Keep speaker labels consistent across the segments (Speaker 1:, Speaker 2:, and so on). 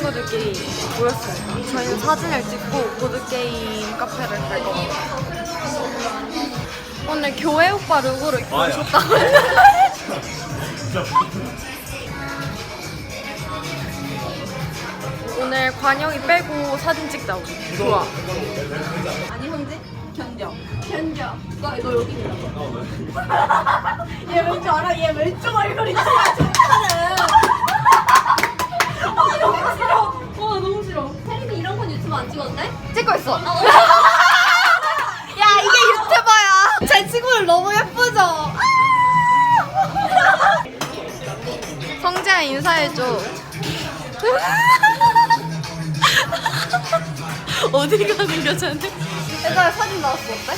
Speaker 1: 친구들끼리 모였어요. 저희는 사진을 찍고 보드게임 카페를 갈 겁니다. 오늘 교회 오빠 룩으로 입고 오셨다고 했는데 오늘 관영이 빼고 사진 찍자 우리. 좋아.
Speaker 2: 아니 형제? 견뎌. 너 여기 있는 얘 왠지 알아? 얘 왼쪽 얼굴이 진짜 좋다는. 너무 싫어. 너무 싫어. 세림이 이런 건 유튜브 안 찍었대?
Speaker 1: 찍고 있어. 야 이게 유튜버야. 제 친구들 너무 예쁘죠? 성재야 인사해줘. 어디가 그려졌네? 옛날에 사진 나왔어 어때?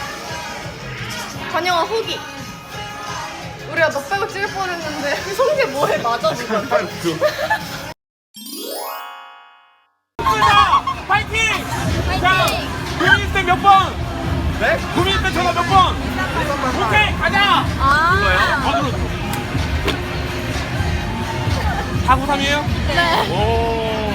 Speaker 1: 관영아 후기. 우리가 너 빼고 찍을 뻔했는데 성재 뭐해 맞아주고.
Speaker 3: 파이팅! 자, 구민이 때 몇 번? 네? 구민이 때 전화 몇 번? 오케이, 가자! 이거예요? 번으로. 493이에요?
Speaker 1: 네.
Speaker 3: 오.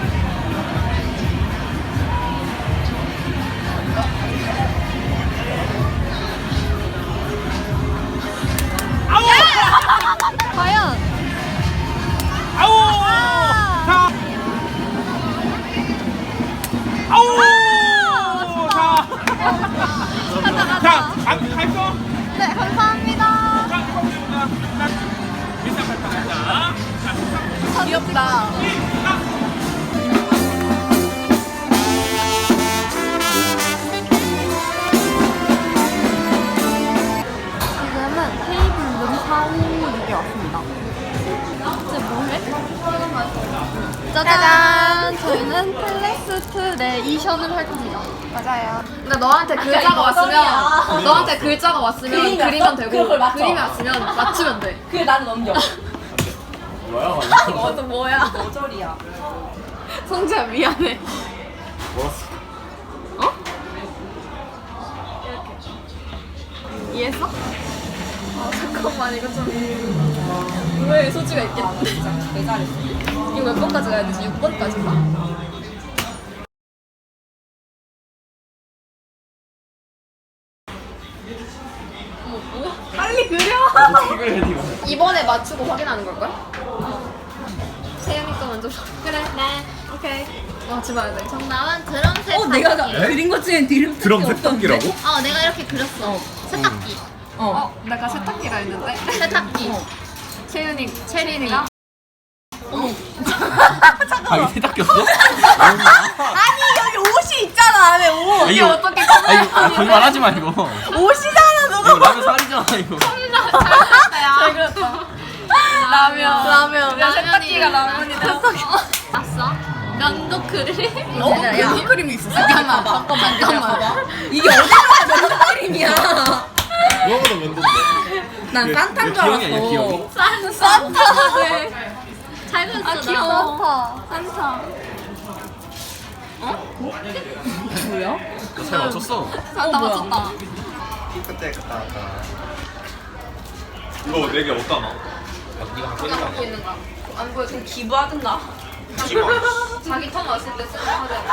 Speaker 3: 아우!
Speaker 1: 과연
Speaker 3: 아우! 자! 아우! 자! 자, 갈까?
Speaker 1: 네 감사합니다.
Speaker 3: 자, 이거 보자. 비싼 발판 자. 자,
Speaker 1: 귀엽다. 지금은 테이블룸 456에 왔습니다. 이제 뭐해? 짜잔! 저희는 플렉스2 레이션을 할 겁니다. 맞아요.
Speaker 4: 근데 너한테 글자가 왔으면 너한테 글자가 왔으면 그리면 되고
Speaker 2: 그걸 맞춰.
Speaker 4: 그림이 왔으면 맞추면 돼.
Speaker 2: 그래 나는 넘겨.
Speaker 3: 뭐야?
Speaker 1: 이것도 뭐야?
Speaker 2: 머저리야.
Speaker 1: 성재야 미안해.
Speaker 3: 뭐였어?
Speaker 1: 어? 이렇게. 이해했어? 아 잠깐만 이거 좀 왜 소지가 있겠지?
Speaker 2: 진짜 내 잘했어.
Speaker 1: 이거 몇 번까지 가야 되지? 6번까지인가? 빨리 그려!
Speaker 3: 이걸 해, 이거.
Speaker 4: 이번에 맞추고 확인하는 걸걸?
Speaker 1: 세연이 거 먼저 그래 네 오케이 맞지 마야 돼.
Speaker 4: 정답은 드럼 세탁기.
Speaker 2: 내가 그린 것 중엔 디름
Speaker 3: 드럼 세탁기라고?
Speaker 4: 내가 이렇게 그렸어. 세탁기.
Speaker 1: 내가 세탁기라 했는데
Speaker 4: 세탁기.
Speaker 1: 채윤이 체린이가
Speaker 3: 자기 세탁기였어?
Speaker 2: 아니 여기 옷이 있잖아 안에 옷.
Speaker 3: 이게
Speaker 1: 어떻게
Speaker 3: 거짓말 하지 마, 이거.
Speaker 2: 옷이잖아 너가.
Speaker 3: 이거 라면 살이잖아, 이거.
Speaker 1: 잘 그렸다. 라면
Speaker 4: 라면이-
Speaker 1: 세탁기가 라면이다.
Speaker 4: 봤어? 면도 그림?
Speaker 2: 면도 그림이 있었어.
Speaker 4: 잠깐만.
Speaker 2: 이게 어디가 면도 그림이야.
Speaker 3: 누가보다 면도인데.
Speaker 2: 난 산타인 줄
Speaker 3: 기영이 아니야,
Speaker 2: 알았어.
Speaker 3: 기영이?
Speaker 1: 산타. 네.
Speaker 4: 잘 그렸어.
Speaker 1: 아
Speaker 4: 나.
Speaker 1: 귀여워. 산타.
Speaker 2: 뭐야?
Speaker 3: 잘 맞췄어.
Speaker 1: 산타
Speaker 2: 뭐야?
Speaker 1: 맞췄다.
Speaker 5: 그때 갔다 왔다.
Speaker 3: 이거 4개 어디다 놔? 네가 갖고 있는 거
Speaker 4: 갖고 있는 거.
Speaker 2: 안 보여. 좀 기부하든가.
Speaker 4: 자기 턴 왔을 때 쓰는 거잖아.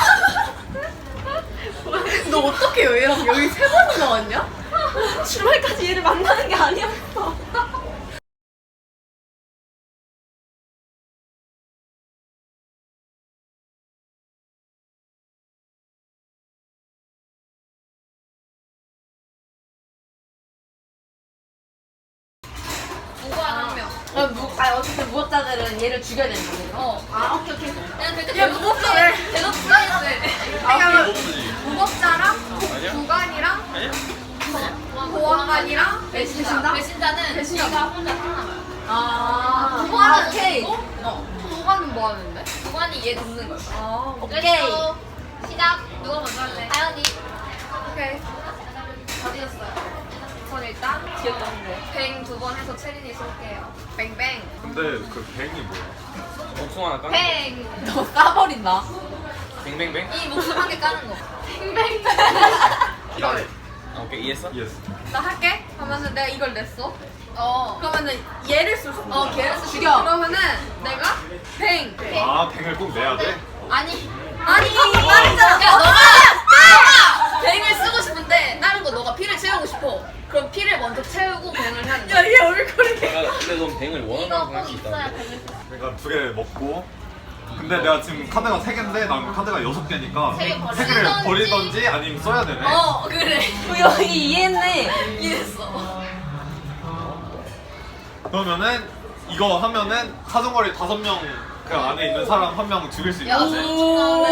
Speaker 2: 너 어떻게 얘랑 여기 세 번이나 왔냐? 주말까지 얘를 만나는 게 아니었어.
Speaker 4: 무관 한 명.
Speaker 2: 어쨌든 무법자들은 얘를 죽여야 되는 거거든.
Speaker 4: 오케이. 그냥 그때
Speaker 2: 얘 무법자래.
Speaker 4: 대놓고 플레이스.
Speaker 1: 무법자랑 구간이랑 보안관이랑
Speaker 4: 배신자? 배신자는 네가 혼자 살아남아요.
Speaker 2: 아,
Speaker 4: 무관은
Speaker 2: 오케이.
Speaker 1: 보관은 뭐 하는데?
Speaker 4: 무관이 얘 돕는 거야.
Speaker 2: 아,
Speaker 4: 오케이. 시작. 누가 먼저 할래? 하연이.
Speaker 1: 오케이.
Speaker 4: 다 드렸어요.
Speaker 1: 전 일단
Speaker 2: 귀엽던데.
Speaker 4: 뱅 2번 해서 체린이 쏠게요.
Speaker 1: 뱅뱅.
Speaker 3: 근데 그 뱅이 뭐야? 목숨 하나 까는
Speaker 4: 뱅.
Speaker 2: 너 까버린다.
Speaker 3: 뱅뱅뱅?
Speaker 4: 이 목숨 한 개 까는 거. 뱅뱅.
Speaker 3: 이걸. 오케이 이해했어?
Speaker 5: 예스.
Speaker 2: 나 할게. 그러면은 내가 이걸 냈어.
Speaker 1: 어.
Speaker 2: 그러면은 얘를 쓸 수 있어.
Speaker 1: 걔를 쓰
Speaker 4: 죽여.
Speaker 2: 그러면은 내가 뱅.
Speaker 5: 아, 뱅을 꼭 내야 돼?
Speaker 1: 아니.
Speaker 2: 아니 말했잖아.
Speaker 1: 야 너가 뱅을 쓰고 싶은데 다른 거 너가 피를 채우고 싶어. 그럼 피를 먼저 채우고 뱅을 해야 돼.
Speaker 2: 야얘 얼굴이.
Speaker 3: 근데 넌 뱅을 원하는 만큼 할 수 있다.
Speaker 5: 그러니까 2개 먹고. 근데 내가 지금 카드가 3개인데 난 카드가 6개니까
Speaker 1: 세개 버려.
Speaker 5: 3개를 버리던지 아니면 써야 되네.
Speaker 1: 어 그래.
Speaker 4: 여기 이해했네.
Speaker 1: 이해했어.
Speaker 5: 그러면은 이거 하면은 사정거리 5명 그 안에 있는 사람 1명 죽일 수 있는
Speaker 1: 야,
Speaker 5: 거지.
Speaker 4: 오,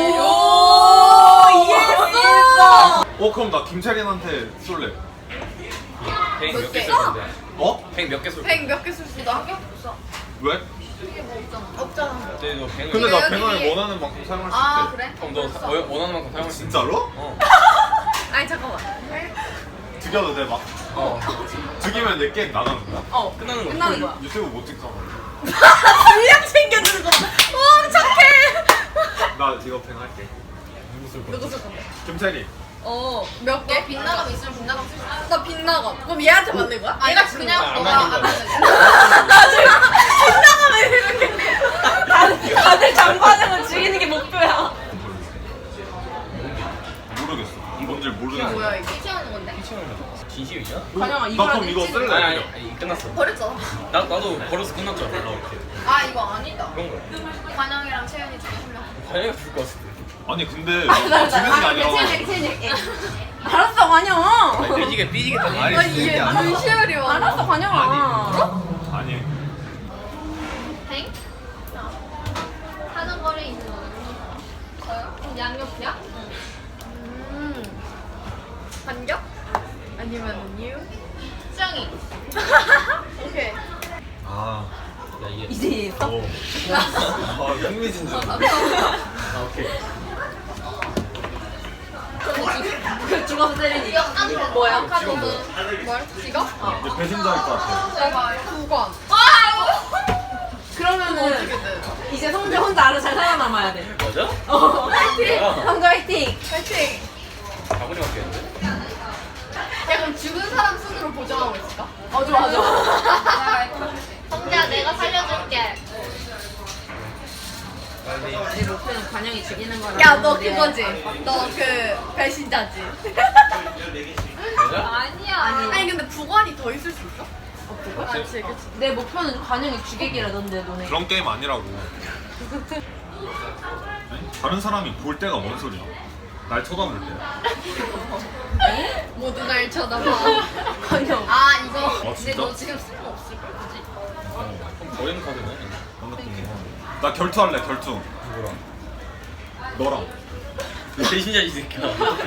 Speaker 4: 이해했어.
Speaker 5: 그럼 나 김채린한테 쏠래.
Speaker 3: 뱅 몇 개
Speaker 1: 개?
Speaker 3: 쏠 건데?
Speaker 5: 어?
Speaker 3: 뱅 몇 개 쏠?
Speaker 2: 뱅 몇 개 쓸 수 있어?
Speaker 1: 나한개 없어.
Speaker 5: 왜?
Speaker 1: 이게 뭐 없잖아.
Speaker 2: 없잖아.
Speaker 3: 근데 너 뱅을
Speaker 5: 근데 나
Speaker 1: 여기-
Speaker 5: 뱅을 원하는 만큼 사용할 수
Speaker 1: 아
Speaker 5: 있대.
Speaker 1: 그래?
Speaker 3: 그럼 너 원하는 만큼 사용할 수 있어.
Speaker 5: 진짜로?
Speaker 2: 아니 잠깐만.
Speaker 5: 죽여도 돼 막.
Speaker 3: 어.
Speaker 5: 죽이면 내 게임 나가는 거야.
Speaker 3: 끝나는 거야.
Speaker 4: 끝나는 거야.
Speaker 5: 유튜브 못 찍잖아.
Speaker 2: 분량 챙겨주는 거. 오 착해.
Speaker 5: 나 이거 뱅 할게.
Speaker 2: 누구 쓸 건데?
Speaker 5: 김채린.
Speaker 2: 몇 개?
Speaker 1: 빛나감 있으면 빛나감 쓸 수 있어.
Speaker 2: 나 빛나가. 그럼 얘한테 맞는 거야?
Speaker 1: 아
Speaker 2: 얘가
Speaker 1: 이거
Speaker 2: 주는
Speaker 1: 그냥
Speaker 2: 거야?
Speaker 1: 너가
Speaker 3: 안
Speaker 1: 안
Speaker 3: 맞는
Speaker 1: 맞는
Speaker 4: 다들 장반응을 죽이는 게 목표야.
Speaker 5: 모르겠어. 뭔지 모르겠어.
Speaker 2: 뭐야 이거?
Speaker 1: 피 채우는 건데.
Speaker 3: 진심이야?
Speaker 4: 관영아
Speaker 5: 나
Speaker 4: 이거랑
Speaker 5: 그럼 이거 쓸래.
Speaker 3: 아니 끝났어.
Speaker 1: 버렸잖아.
Speaker 3: 나도 벌어서 끝났죠.
Speaker 1: 아 이거 아니다.
Speaker 3: 그런 거야.
Speaker 1: 관영이랑 채연이 중에 한 명.
Speaker 3: 관영이가 죽을 것 같은데.
Speaker 5: 아니 근데 죽이는 게 아니라.
Speaker 4: 알았어 관영.
Speaker 3: 아니, 삐지겠다.
Speaker 5: 아니,
Speaker 2: 아니 얘 눈시울이 와.
Speaker 4: 알았어 관영아.
Speaker 5: 아니.
Speaker 1: 뱅? 사정거리에 있는 거는 저요? 그럼 양옆이야?
Speaker 2: 반격? 아니면 뉴?
Speaker 1: 수영이.
Speaker 2: 오케이.
Speaker 5: 아.
Speaker 3: 야 이게.
Speaker 4: 이제 이해했어?
Speaker 5: 아, 흥미진진.
Speaker 3: 아 오케이.
Speaker 4: 죽어서 때리니.
Speaker 1: 이거 깜짝 뭐야? 카드 뭘? 이거?
Speaker 5: 이제 배신자일 것 같아.
Speaker 1: 제발.
Speaker 2: 9권.
Speaker 1: 아유.
Speaker 4: 그러면은 이제 성재 혼자 알아 잘 살아남아야 돼.
Speaker 3: 맞아?
Speaker 4: 화이팅. 성재 화이팅.
Speaker 2: 파이팅.
Speaker 3: 가보니 맞겠는데?
Speaker 2: 야 그럼 죽은 사람 순으로 보정하고 있을까?
Speaker 4: 좋아 좋아.
Speaker 1: 성재야 내가 살려줄게.
Speaker 4: 내 목표는 관영이 죽이는 거라.
Speaker 2: 야 너 그거지? 너 그 배신자지?
Speaker 3: 맞아?
Speaker 1: 아니야.
Speaker 2: 아니 근데 9권이 더 있을 수 있어?
Speaker 3: 그치?
Speaker 4: 내 목표는 관영이 죽이기라던데 너네.
Speaker 5: 그런 게임 아니라고. 다른 사람이 볼 때가 뭔 소리야? 날 쳐다볼 때.
Speaker 2: 모두 날 쳐다봐.
Speaker 4: 관영.
Speaker 1: 아 이거. 근데
Speaker 5: 진짜?
Speaker 1: 너 지금 쓸모 없을 걸 그지?
Speaker 3: 그럼 버리는 카드네.
Speaker 5: 나 결투할래 결투.
Speaker 3: 누구랑?
Speaker 5: 너랑.
Speaker 3: 배신자 이 새끼야.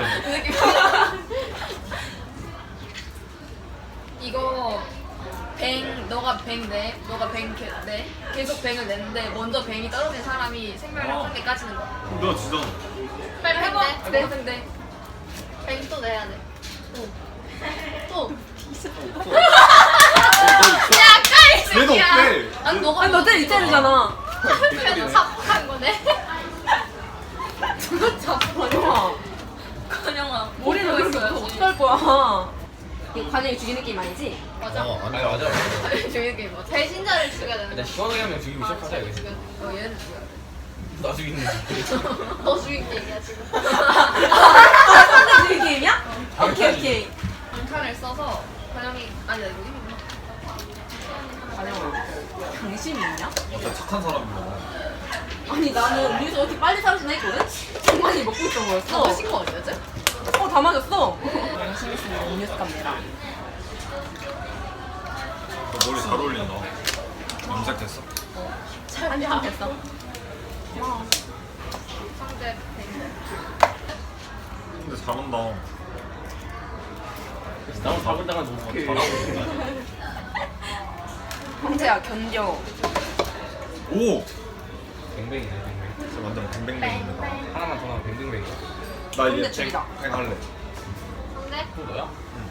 Speaker 1: 이거 너가 뱅 내, 너가 내, 계속 뱅을 냈는데 먼저 뱅이 떨어진 사람이 생명을 한 개까지는 거야.
Speaker 5: 너 진짜.
Speaker 1: 빨리 해봐. 네, 네. 뱅 또 내야 돼. 또. 야, 까이
Speaker 5: 얘는
Speaker 1: 새끼야.
Speaker 5: 어때?
Speaker 1: 아니 너가
Speaker 4: 아니 너 때릴 때리잖아.
Speaker 1: 그래도 삽한 거네.
Speaker 4: 그거 잡고 관영아.
Speaker 1: 건영아.
Speaker 4: 머리를 그렇게 어떡할 거야. 이거 관영이 죽이는 게임 아니지?
Speaker 1: 맞아.
Speaker 3: 아니 맞아.
Speaker 1: 죽이는 게임 맞아. 배신자를 죽여야 되는
Speaker 3: 일단
Speaker 1: 거.
Speaker 3: 시원하게 하면 죽이고 시작하자 이거.
Speaker 1: 얘는 죽여야 돼.
Speaker 3: 나 죽이는 거지.
Speaker 1: 너 죽인 게임이야 지금.
Speaker 4: 상대 죽이는 게임이야? 오케이.
Speaker 1: 강칸을 써서 건영이 아니 나 이거 이미
Speaker 4: 관영아. 당신이 있냐?
Speaker 5: 진짜 착한 사람이야.
Speaker 4: 아니 나는 우리에서 어떻게 빨리 사라지나 했거든? 정만이 먹고 있던 거였어.
Speaker 2: 마신 거 아니었지?
Speaker 4: 다 맞았어. 열심히 쓰는 음료수 카메라.
Speaker 5: 너 머리 잘 어울린다. 염색됐어?
Speaker 4: 한참 됐어.
Speaker 1: 상대 뱅.
Speaker 5: 근데 잘한다.
Speaker 3: 나만 잡을다가 너무 잘하고 있구나.
Speaker 4: 형태야 견뎌.
Speaker 5: 오!
Speaker 3: 뱅뱅이네 뱅뱅.
Speaker 5: 진짜 완전 뱅뱅뱅입니다.
Speaker 3: 하나만 더 나면 뱅뱅뱅이야.
Speaker 5: 나 이제
Speaker 4: 근데 죽이다.
Speaker 5: 뱅 할래.
Speaker 1: 상대?
Speaker 3: 또 너야?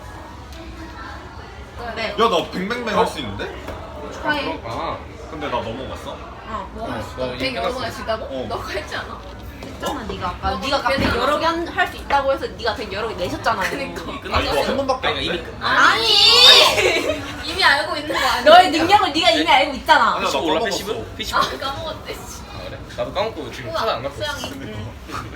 Speaker 4: 네.
Speaker 5: 야, 나 뱅뱅뱅 할 수 있는데?
Speaker 4: 축하해.
Speaker 3: 아
Speaker 5: 근데 나 넘어갔어?
Speaker 4: 어.
Speaker 1: 뭐
Speaker 3: 너
Speaker 1: 뱅
Speaker 3: 이미
Speaker 1: 여러 번
Speaker 3: 끝났어.
Speaker 1: 할 수 있다고?
Speaker 5: 어.
Speaker 1: 너가 했지 않아?
Speaker 2: 했잖아 네가 아까. 네가 백 여러 개 할 수 있다고 해서 네가 백 여러 개 내셨잖아요. 그러니까.
Speaker 5: 아 이거 한 번밖에 안
Speaker 3: 이미
Speaker 5: 돼?
Speaker 3: 끝.
Speaker 2: 아니.
Speaker 1: 이미 알고 있는 거 아니야?
Speaker 2: 너의 능력을 네가 이미 알고 있잖아.
Speaker 5: 아니야, 나
Speaker 3: 15 올라
Speaker 5: 까먹었어.
Speaker 3: 15? 15?
Speaker 1: 아 까먹었대. 씨.
Speaker 3: 아 그래? 나도 까먹고 지금 카드 안 갖고 있어.
Speaker 1: 수영이.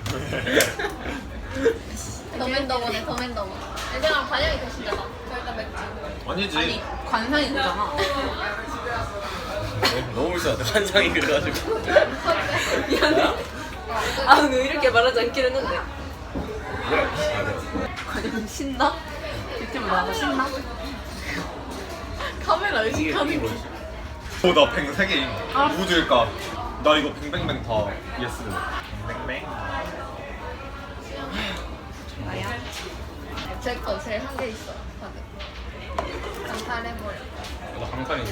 Speaker 1: 더맨더머네 더맨더머. 얘들아 관영이 대신자다. 저 일단 맥주.
Speaker 5: 아니지.
Speaker 2: 아니 관상이 그잖아.
Speaker 3: 너무 불쌍하다. 환상이 그래가지고.
Speaker 2: 미안해. 아 근데 이렇게 말하지 않기로 했는데.
Speaker 3: 그래.
Speaker 2: 과연 신나? 유튜브 나와서 신나? 카메라 의식하는 거.
Speaker 5: 나뱅 3개임. 누구 줄까? 나 이거 뱅뱅뱅 다 예스. 뱅뱅뱅.
Speaker 2: 나야?
Speaker 1: 제거 제일 한 개 있어. 다들. 강탈해버려.
Speaker 3: 나 강판이지.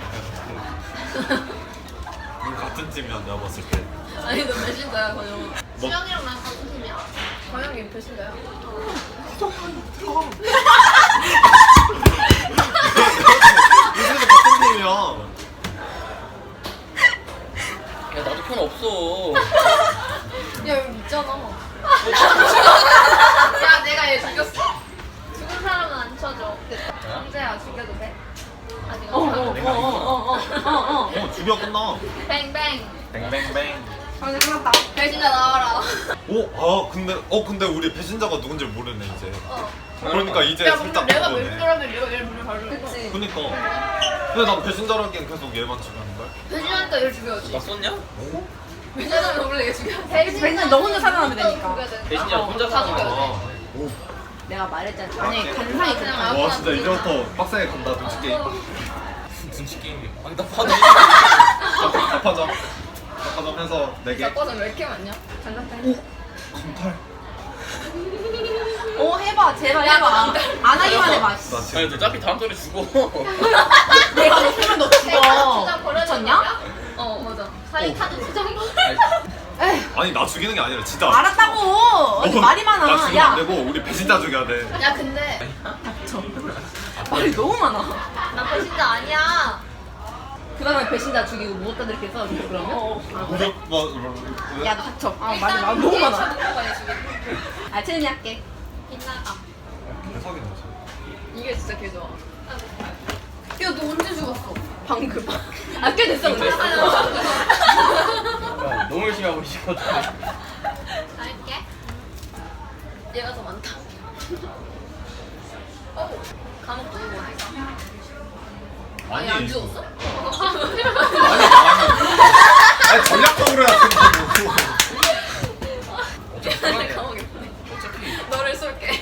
Speaker 5: 우리 같은 팀이야 내가 봤을 때.
Speaker 1: 아니 너 배신자야 권영.
Speaker 5: 뭐?
Speaker 1: 수영이랑 나랑 같은 팀이야. 권영이 배신자야.
Speaker 5: 우리도 같은 팀이야.
Speaker 3: 야 나도 편 없어.
Speaker 1: 야 여기 있잖아. 야 내가 얘 죽였어. 죽은 사람은 안 쳐줘. 됐다. 형제야 죽여도 돼? 아직 안 돼.
Speaker 5: 어 죽여 끝나.
Speaker 1: 뱅뱅.
Speaker 5: 뱅뱅뱅.
Speaker 2: 아 끝났다.
Speaker 1: 배신자 나와라.
Speaker 5: 근데 우리 배신자가 누군지 모르네 이제.
Speaker 1: 어.
Speaker 5: 그러니까 이제
Speaker 1: 야
Speaker 5: 살짝
Speaker 1: 근데 내가
Speaker 5: 그거네.
Speaker 1: 배신자라면 내가 얘를 먼저 가르쳐. 그치.
Speaker 5: 그니까. 근데 난 배신자라기엔 계속 얘만 죽였는 거야.
Speaker 1: 배신자니까 얘를 죽여야지.
Speaker 3: 나 썼냐?
Speaker 1: 배신자면 원래 얘 죽여.
Speaker 2: 배신자 너 혼자 살아나면 되니까.
Speaker 3: 배신자 혼자
Speaker 1: 다
Speaker 3: 사는
Speaker 1: 죽여야 돼.
Speaker 5: 아, 오.
Speaker 2: 내가 말했잖아. 아니 관상이
Speaker 1: 그냥
Speaker 2: 그렇다.
Speaker 5: 와 진짜 이제부터 빡세게 간다 눈치 게임.
Speaker 3: 눈치 게임이. 아니 나 봐도.
Speaker 5: 답하자. 답하자면서 4개.
Speaker 1: 자꿔서 왜 이렇게 많냐? 장난감.
Speaker 5: 검탈.
Speaker 2: 오 해봐 제발
Speaker 1: 야,
Speaker 2: 해봐.
Speaker 1: 안 돼.
Speaker 2: 안 하기만 해봐.
Speaker 5: 나
Speaker 3: 아니
Speaker 5: 지금
Speaker 3: 너 어차피 다음 턴에 죽어.
Speaker 2: 내가 너 세면 너 죽어. 미쳤냐?
Speaker 1: 어 맞아. 사인 카드 투정.
Speaker 2: 에휴
Speaker 5: 아니 나 죽이는 게 아니라 진짜.
Speaker 2: 알았다고. 아니 말이
Speaker 5: 나
Speaker 2: 많아.
Speaker 5: 죽이면
Speaker 2: 야
Speaker 5: 안 되고 우리 배신자 죽여야 돼.
Speaker 1: 야 근데
Speaker 2: 닥쳐. 말이 너무 많아.
Speaker 1: 나 배신자 아니야.
Speaker 2: 그 다음에 배신자 죽이고 무엇다 이렇게 써 그러면?
Speaker 5: 무적 뭐
Speaker 2: 야 닥쳐. 아 말이 너무 많아.
Speaker 1: 많이 죽여.
Speaker 2: 아 채은이 할게.
Speaker 1: 빛나가.
Speaker 5: 대박이네.
Speaker 1: 이게 진짜 개 좋아. 야 너 언제 죽었어?
Speaker 2: 방금. 아 꽤 됐어 근데.
Speaker 3: 야, 너무 열심히 하고 있거든.
Speaker 1: 할게. 얘가 더 많다. 어 감옥 누구 보냈어? 아니 안 죽었어?
Speaker 5: 아니 전략적으로 해야 된다고.
Speaker 3: 어차피
Speaker 1: 내
Speaker 3: 편하네.
Speaker 1: 감옥에 보내.
Speaker 3: 어차피.
Speaker 1: 너를 쏠게.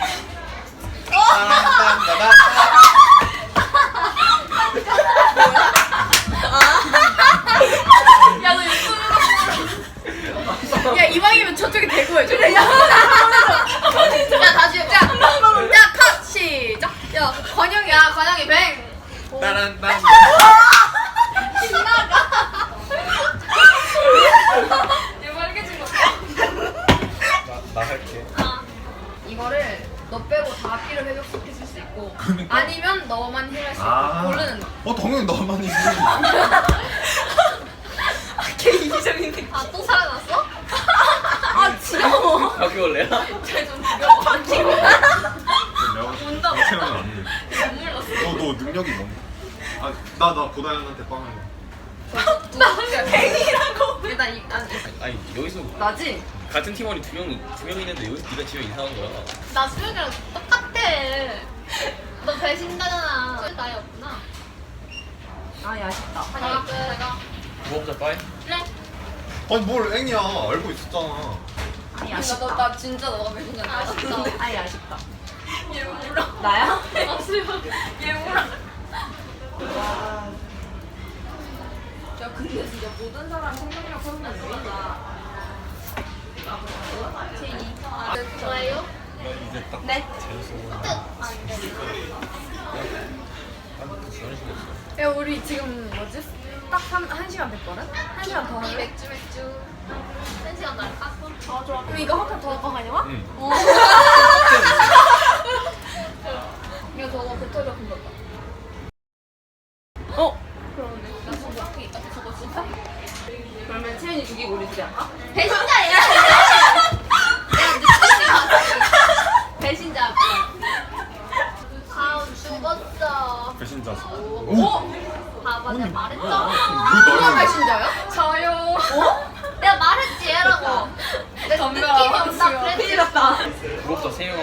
Speaker 1: 야 너 유튜브
Speaker 2: 야 이왕이면 저쪽에 대고 해줘. 야
Speaker 1: 야 다시 해봐. 야컷 시작. 야 관영이 뱅.
Speaker 5: 따란딴.
Speaker 1: 이거 빨개진 거.
Speaker 3: 나 할게.
Speaker 1: 아 이거를 너 빼고 다 앞뒤를 회복시킬 수 있고 아니면 너만 힐할 수 있고 고르는 거.
Speaker 5: 당연히 너만이지.
Speaker 2: 걔 이기적인데.
Speaker 1: 아 또 살아났어?
Speaker 2: 아 지겨워.
Speaker 3: 바퀴벌레야?
Speaker 1: 쟤좀 죽여.
Speaker 5: 온다. 채우면 안 돼.
Speaker 1: 눈물 났어.
Speaker 5: 너 능력이 뭔데? 나 고다현한테 빵을.
Speaker 1: 나 뱅이라고. 일단
Speaker 3: 아니 여기서
Speaker 2: 나지?
Speaker 3: 같은 팀원이 두 명 있는데 여기서 네가 지면 이상한 거야.
Speaker 1: 나 수영이랑 똑같아. 너 배신자잖아. 수영 나이 없구나.
Speaker 2: 아 아쉽다.
Speaker 1: 내가
Speaker 3: 무법자 빠이?
Speaker 1: 그래.
Speaker 5: 아니 뭘 앵이야 알고 있었잖아.
Speaker 2: 아니 아쉽다.
Speaker 1: 나 진짜 너가 배신자야. 아쉽다.
Speaker 2: 아니 아쉽다.
Speaker 1: 얘 울어.
Speaker 2: 나야?
Speaker 1: 아 수영. 얘 울어. 야 근데 진짜 모든 사람 생명력 소문이 있다. 제2. 좋아요?
Speaker 5: 이제 딱
Speaker 2: 네.
Speaker 1: 야 우리 지금 뭐지? 딱 1시간 됐거든? 1시간 더 할래? 맥주 1시간 더 할까? 좋아 그럼 이거 한 판 더 할까 가냐?
Speaker 5: 응.
Speaker 1: 이거 저거 배터리가 금방
Speaker 2: 어?
Speaker 1: 그러네 나 저거 저거 진짜?
Speaker 2: 그러면 채은이 죽이고 우리 둘이 할까?
Speaker 1: 배신자야!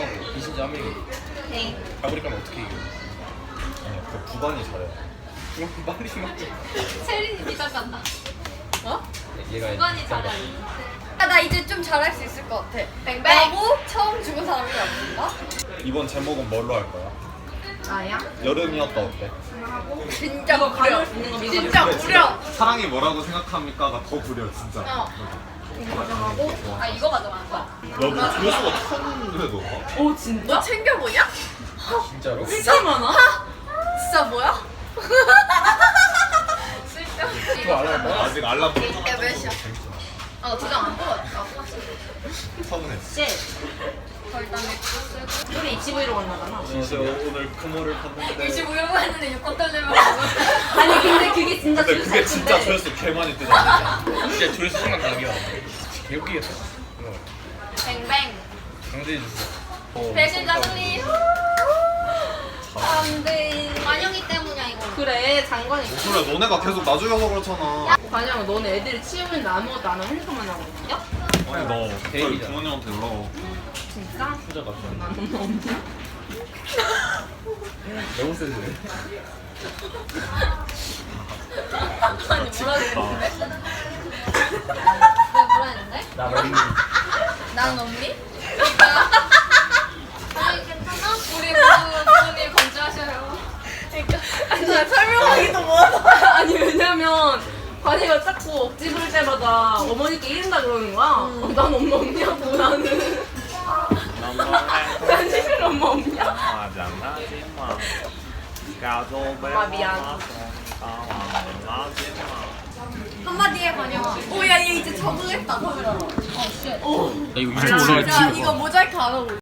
Speaker 6: 명하고 이신지 한 명이.
Speaker 2: 네.
Speaker 6: 가브리 가면 어떻게 이겨?
Speaker 5: 아니 그 구단이 잘해.
Speaker 6: 그럼 빨리 생각해.
Speaker 1: 체린이 니가 간다.
Speaker 6: 얘가
Speaker 1: 구간이
Speaker 6: 짱가.
Speaker 1: 잘해.
Speaker 2: 나 이제 좀 잘할 수 있을 것 같아.
Speaker 1: 뱅뱅.
Speaker 2: 나고 처음 죽은 사람이 없는가?
Speaker 5: 이번 제목은 뭘로 할 거야?
Speaker 4: 나야?
Speaker 5: 여름이었다 어때?
Speaker 2: 진짜
Speaker 4: 이거
Speaker 2: 무려.
Speaker 4: 가져올 수 있는 거 믿어.
Speaker 2: 진짜
Speaker 5: 그래,
Speaker 2: 무려.
Speaker 5: 진짜 사랑이 뭐라고 생각합니까가 더 구려 진짜.
Speaker 2: 어.
Speaker 4: 이거 가져가고.
Speaker 1: 아 이거 가져가는 거야?
Speaker 5: 여기 조회수가 1000회도.
Speaker 4: 오 진짜?
Speaker 2: 너 챙겨보냐?
Speaker 6: 진짜로?
Speaker 4: 진짜 많아?
Speaker 2: 진짜 뭐야?
Speaker 6: 그거 알아야 돼?
Speaker 5: 아직 알람
Speaker 2: 야 몇이야?
Speaker 1: 아 두장 안 뽑았다.
Speaker 5: 서운해.
Speaker 4: 우리 HV로 만나잖아.
Speaker 5: 진짜 오늘 금호를 탔는데.
Speaker 1: 25년 했는데 6권 떨려면
Speaker 4: 아니 근데 그게 진짜
Speaker 5: 근데 그게 진짜 조회수 개 많이 뜨잖아.
Speaker 6: 진짜 조회수 생각나기야. 개웃기겠어.
Speaker 1: 뱅뱅.
Speaker 6: 강제해 주세요.
Speaker 1: 배신자 승리.
Speaker 2: 안돼.
Speaker 1: 관영이 때문이야 이거.
Speaker 4: 그래 장관이.
Speaker 5: 그래 너네가 계속 나 죽여서 그렇잖아.
Speaker 4: 관영 너네 애들이 치우는데 아무것도 안 하고 핸드폰만 하고 있냐?
Speaker 5: 아니 너 저희
Speaker 6: 데이비잖아.
Speaker 5: 부모님한테 연락.
Speaker 4: 진짜?
Speaker 6: 후자 같아.
Speaker 4: 난 너무 없냐?
Speaker 6: 너무 센데.
Speaker 1: 아니 뭐라 그랬는데? 내가 뭐라 했는데?
Speaker 6: 나 너무.
Speaker 2: 난 언니?
Speaker 1: 아니 괜찮아? 우리 부모님 건조하셔요.
Speaker 2: 아니 나 설명하기도 뭐하다.
Speaker 4: 아니 왜냐면 관이가 자꾸 억지 부릴 때마다 어머니께 이른다 그러는 거야. 난 엄마 없냐고 나는. 난 실제로 엄마 없냐? 엄마 미안.
Speaker 2: 한마디 해 관영아. 오야 얘 이제 적응했다 카메라로.
Speaker 6: 야 이거
Speaker 2: 야 이거 모자이크 안 하고.